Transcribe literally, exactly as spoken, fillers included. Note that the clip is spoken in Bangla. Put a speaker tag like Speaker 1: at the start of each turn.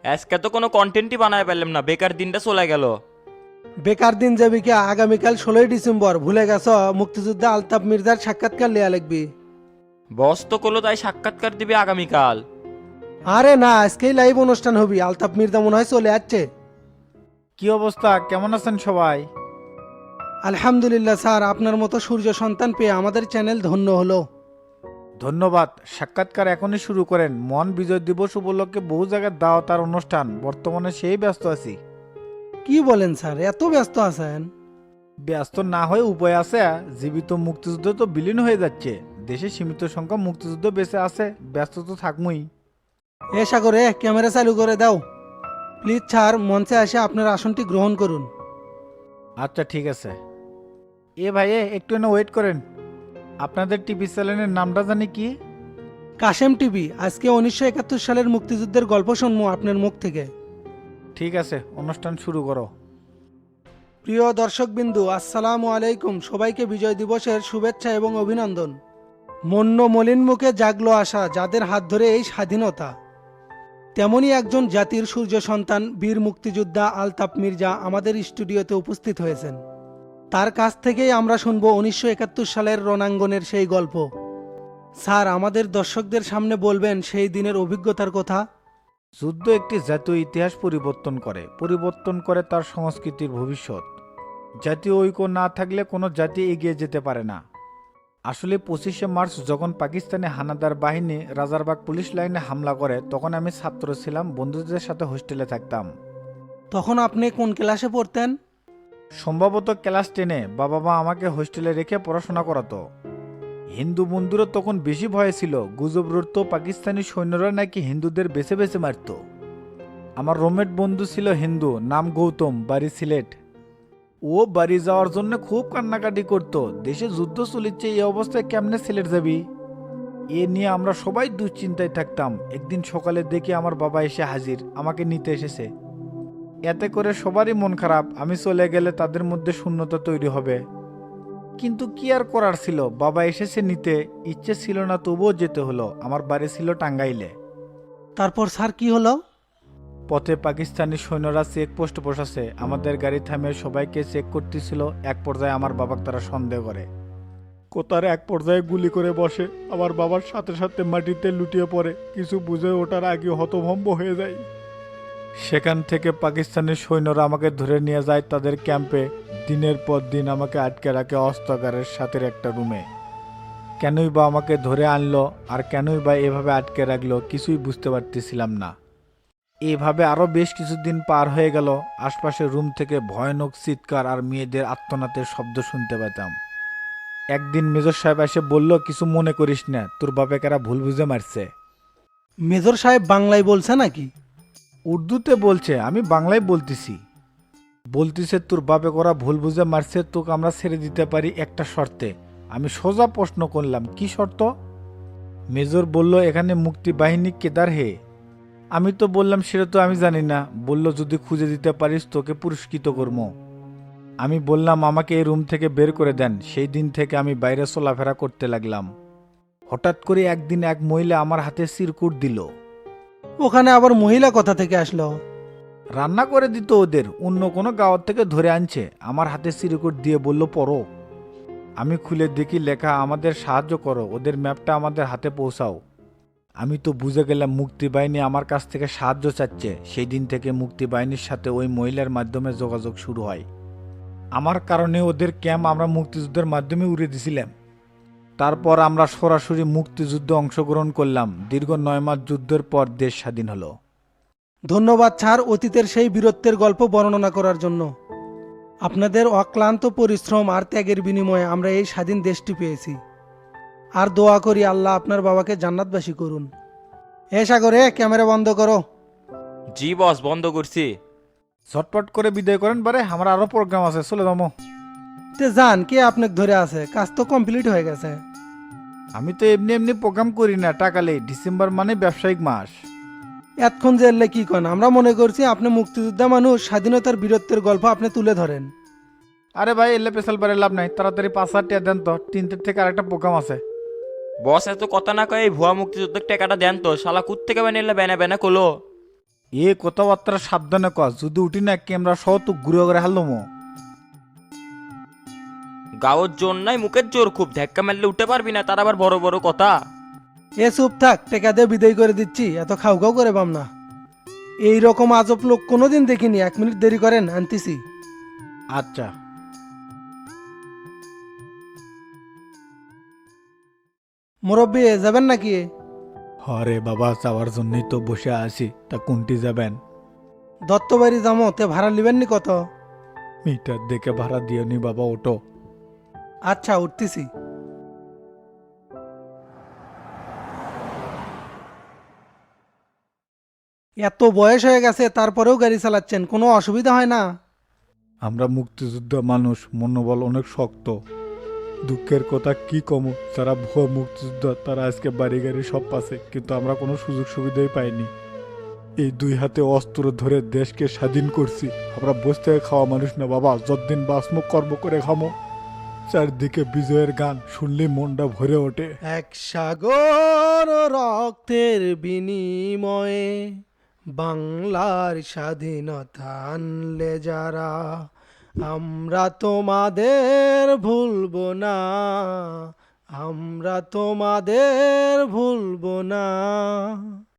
Speaker 1: আজকে তো কোনো কন্টেন্টই বানায় পেলাম না, বেকার দিনটা চলে গেল।
Speaker 2: বেকার দিন যাবি কি? আগামীকাল ষোলোই ডিসেম্বর ভুলে গেছ? মুক্তিযোদ্ধা আলতাফ মির্জার সাক্ষাৎকার লিয়া লিখবি।
Speaker 1: বস তো করলো তাই সাক্ষাৎকার দিবে আগামীকাল।
Speaker 2: আরে না, আজকেই লাইভ অনুষ্ঠান হবি। আলতাফ মির্জা মনে হয় চলে যাচ্ছে।
Speaker 3: কি অবস্থা, কেমন আছেন সবাই?
Speaker 2: আলহামদুলিল্লাহ স্যার, আপনার মতো সূর্য সন্তান পেয়ে আমাদের চ্যানেল ধন্য হলো।
Speaker 3: ধন্যবাদ। সাক্ষাৎকার এখনই শুরু করেন। মহান বিজয় দিবস উপলক্ষে বহু জায়গায় দাওয়াত আর অনুষ্ঠান, বর্তমানে সেই ব্যস্ত আছি।
Speaker 2: কি বলেন স্যার, এত ব্যস্ত আছেন?
Speaker 3: ব্যস্ত না হয়ে উপায় আছে? জীবিত মুক্তিযুদ্ধ তো বিলীন হয়ে যাচ্ছে, দেশে সীমিত সংখ্যক মুক্তিযুদ্ধ বেঁচে আছে, ব্যস্ত তো থাকবই।
Speaker 2: এ সাগরে ক্যামেরা চালু করে দাও প্লিজ। স্যার, মঞ্চে এসে আপনার আসনটি গ্রহণ করুন।
Speaker 3: আচ্ছা ঠিক আছে। এ ভাই এ, একটু না ওয়েট করেন। আপনাদের টিভি চ্যানেলের নামটা জানি কি?
Speaker 2: কাশেম টিভি। আজকে উনিশশো একাত্তর সালের মুক্তিযুদ্ধের গল্প শুনবো আপনার মুখ থেকে।
Speaker 3: ঠিক আছে, অনুষ্ঠান শুরু করো।
Speaker 2: প্রিয় দর্শকবিন্দু, আসসালামু আলাইকুম। সবাইকে বিজয় দিবসের শুভেচ্ছা এবং অভিনন্দন। মন্য মলিন মুখে জাগলো আশা, যাদের হাত ধরে এই স্বাধীনতা। তেমনই একজন জাতির সূর্য সন্তান বীর মুক্তিযোদ্ধা আলতাফ মির্জা আমাদের স্টুডিওতে উপস্থিত হয়েছেন। তার কাছ থেকেই আমরা শুনবো উনিশশো একাত্তর সালের রণাঙ্গনের সেই গল্প। স্যার, আমাদের দর্শকদের সামনে বলবেন সেই দিনের অভিজ্ঞতার কথা।
Speaker 3: যুদ্ধ একটি জাতীয় ইতিহাস পরিবর্তন করে, পরিবর্তন করে তার সংস্কৃতির ভবিষ্যৎ। জাতীয় ঐক্য না থাকলে কোনো জাতি এগিয়ে যেতে পারে না। আসলে পঁচিশে মার্চ যখন পাকিস্তানি হানাদার বাহিনী রাজারবাগ পুলিশ লাইনে হামলা করে, তখন আমি ছাত্র ছিলাম, বন্ধুদের সাথে হোস্টেলে থাকতাম।
Speaker 2: তখন আপনি কোন ক্লাসে পড়তেন?
Speaker 3: সম্ভবত ক্লাস টেনে। বাবা মা আমাকে হোস্টেলে রেখে পড়াশোনা করাতো। হিন্দু বন্ধুরা তখন বেশি ভয়ে ছিল, গুজব রটতো পাকিস্তানি সৈন্যরা নাকি হিন্দুদের বেছে বেছে মারত। আমার রুমমেট বন্ধু ছিল হিন্দু, নাম গৌতম, বাড়ি সিলেট। ও বাড়ি যাওয়ার জন্য খুব কান্নাকাটি করত, দেশে যুদ্ধ চলিচ্ছে, এই অবস্থায় কেমনে সিলেট যাবি। এ নিয়ে আমরা সবাই দুশ্চিন্তায় থাকতাম। একদিন সকালে দেখি আমার বাবা এসে হাজির, আমাকে নিতে এসেছে। এতে করে সবারই মন খারাপ, আমি চলে গেলে তাদের মধ্যে শূন্যতা তৈরি হবে। কিন্তু কি আর করার ছিল, বাবা এসেছে নিতে, ইচ্ছে ছিল না তবুও যেতে হলো। আমার বাড়ি ছিল টাঙ্গাইলে।
Speaker 2: তারপর স্যার কি হলো?
Speaker 3: পথে পাকিস্তানি সৈন্যরা চেক পোস্ট বসাছে, আমাদের গাড়ি থামিয়ে সবাইকে চেক করতেছিল। এক পর্যায়ে আমার বাবাকে তারা সন্দেহ করে, কোতার এক পর্যায়ে গুলি করে বসে। আমার বাবার সাথে সাথে মাটিতে লুটিয়ে পড়ে, কিছু বুঝে ওঠার আগে হতভম্ব হয়ে যায়। সেখান থেকে পাকিস্তানি সৈন্যরা আমাকে ধরে নিয়ে যায় তাদের ক্যাম্পে। দিনের পর দিন আমাকে আটকে রাখে অস্ত্রাগারের সাথে একটা রুমে। কেনই বা আমাকে ধরে আনলো আর কেনই বা এভাবে আটকে রাখলো, কিছুই বুঝতে পারতেছিলাম না। এভাবে আরো বেশ কিছুদিন পার হয়ে গেল। আশপাশের রুম থেকে ভয়ানক চিৎকার আর মেয়েদের আর্তনাদের শব্দ শুনতে পেতাম। একদিন মেজর সাহেব এসে বলল, কিছু মনে করিস না, তোর বাপেকেরা ভুল বুঝে মারছে।
Speaker 2: মেজর সাহেব বাংলায় বলছে নাকি?
Speaker 3: উর্দুতে বলছে, আমি বাংলায় বলতেছি। বলতেছে তোর বাপে করা ভুল বুঝে মারছে, তোকে আমরা ছেড়ে দিতে পারি একটা শর্তে। আমি সোজা প্রশ্ন করলাম, কি শর্ত? মেজর বলল, এখানে মুক্তি বাহিনী কেদার হে। আমি তো বললাম সেটা তো আমি জানি না। বলল, যদি খুঁজে দিতে পারিস তোকে পুরস্কৃত করব। আমি বললাম, আমাকে এই রুম থেকে বের করে দেন। সেই দিন থেকে আমি বাইরে চলাফেরা করতে লাগলাম। হঠাৎ করে একদিন এক মহিলা আমার হাতে চিরকুট দিল।
Speaker 2: ওখানে আবার মহিলা কথা থেকে আসলো?
Speaker 3: রান্না করে দিত ওদের, অন্য কোনো গাঁওয়ার থেকে ধরে আনছে। আমার হাতে চিরকুট দিয়ে বলল, পড়ো। আমি খুলে দেখি লেখা, আমাদের সাহায্য করো, ওদের ম্যাপটা আমাদের হাতে পৌঁছাও। আমি তো বুঝে গেলাম মুক্তি বাহিনী আমার কাছ থেকে সাহায্য চাচ্ছে। সেই দিন থেকে মুক্তি বাহিনীর সাথে ওই মহিলার মাধ্যমে যোগাযোগ শুরু হয়। আমার কারণে ওদের ক্যাম্প আমরা মুক্তিযুদ্ধের মাধ্যমে উড়ে দিছিলাম। তারপর আমরা সরাসরি মুক্তিযুদ্ধে অংশগ্রহণ করলাম। দীর্ঘ নয় মাস যুদ্ধের পর দেশ স্বাধীন হলো।
Speaker 2: ধন্যবাদ স্যার, অতীতের সেই বীরত্বের গল্প বর্ণনা করার জন্য। আপনাদের অক্লান্ত পরিশ্রম আর ত্যাগের বিনিময়ে আমরা এই স্বাধীন দেশটি পেয়েছি। আর দোয়া করি আল্লাহ আপনার বাবাকে জান্নাতবাসী করুন। এ সাগরে ক্যামেরা বন্ধ করো।
Speaker 1: জি বস, বন্ধ করছি।
Speaker 3: ঝটপট করে বিদায় করেন, বারে আমার আরো প্রোগ্রাম আছে, চলে যাবো।
Speaker 2: তে যান, কে আপনাকে ধরে আছে? কাজ তো কমপ্লিট হয়ে গেছে।
Speaker 3: আমি তো এমনি এমনি প্রোগ্রাম করি না, টাকালে। ডিসেম্বর মানে ব্যবসায়িক মাস।
Speaker 2: এতক্ষণ যে এলে কি কন? আমরা মনে করছি আপনি মুক্তিযোদ্ধা মানুষ, স্বাধীনতার বীরত্বের গল্প আপনি তুলে ধরেন।
Speaker 3: আরে ভাই, এলে পেশাল বারে লাভ নাই, তাড়াতাড়ি পাঁচ হাজার টাকা দেন তো, তিনটের থেকে আরেকটা প্রোগ্রাম আছে।
Speaker 1: বস এত কথা না কয়ে এই ভুয়া মুক্তিযুদ্ধের টাকাটা দেন তো, শালা কুত থেকে বানিয়ে বেনা বেনা কলো।
Speaker 3: এ কথাবার্তা সাবধানে কর, যদি উঠি না ক্যামেরা সহ তো ঘুরে করে হারলাম।
Speaker 1: গাওয়ার জোর নাই, মুখের জোর খুব, ধাক্কা মারলে উঠতে পারবি না, তার আবার বড় বড় কথা।
Speaker 2: এ চুপ থাক, টেকা দিয়ে বিদায় করে দিচ্ছি, এত খাও খাও করে পাম না। এই রকম আজব লোক কোনোদিন দেখিনি, এক মিনিট দেরি করেন, আনতেছি।
Speaker 3: আচ্ছা।
Speaker 2: মুরব্বী যাবেন নাকি?
Speaker 3: হরে বাবা, যাওয়ার জন্যই তো বসে আছি, তা কোনটি যাবেন?
Speaker 2: দত্তবাড়ি যাবো, তে ভাড়া লিবেন নি কত?
Speaker 3: মিটার দেখে ভাড়া দিও নি বাবা, ওটো।
Speaker 2: আচ্ছা, উঠতেছি। এত বয়স হয়ে গেছে তারপরেও গাড়ি চালাচ্ছেন, কোনো অসুবিধা হয় না?
Speaker 3: আমরা মুক্তিযোদ্ধা মানুষ, মনোবল অনেক শক্ত। দুঃখের কথা কি কম, যারা ভুয়া মুক্তিযোদ্ধা তারা আজকে বাড়ি গাড়ি সব পাচ্ছে, কিন্তু আমরা কোনো সুযোগ সুবিধাই পাইনি। এই দুই হাতে অস্ত্র ধরে দেশকে স্বাধীন করছি। আমরা বসে থেকে খাওয়া মানুষ না বাবা, যতদিন বাসমু কর্ম করে খামো। চারদিকে বিজয়ের গান শুনলে মনটা ভরে ওঠে।
Speaker 2: এক সাগর রক্তের বিনিময়ে বাংলার স্বাধীনতা আনলে যারা, আমরা তোমাদের ভুলবো না, আমরা তোমাদের ভুলবো না।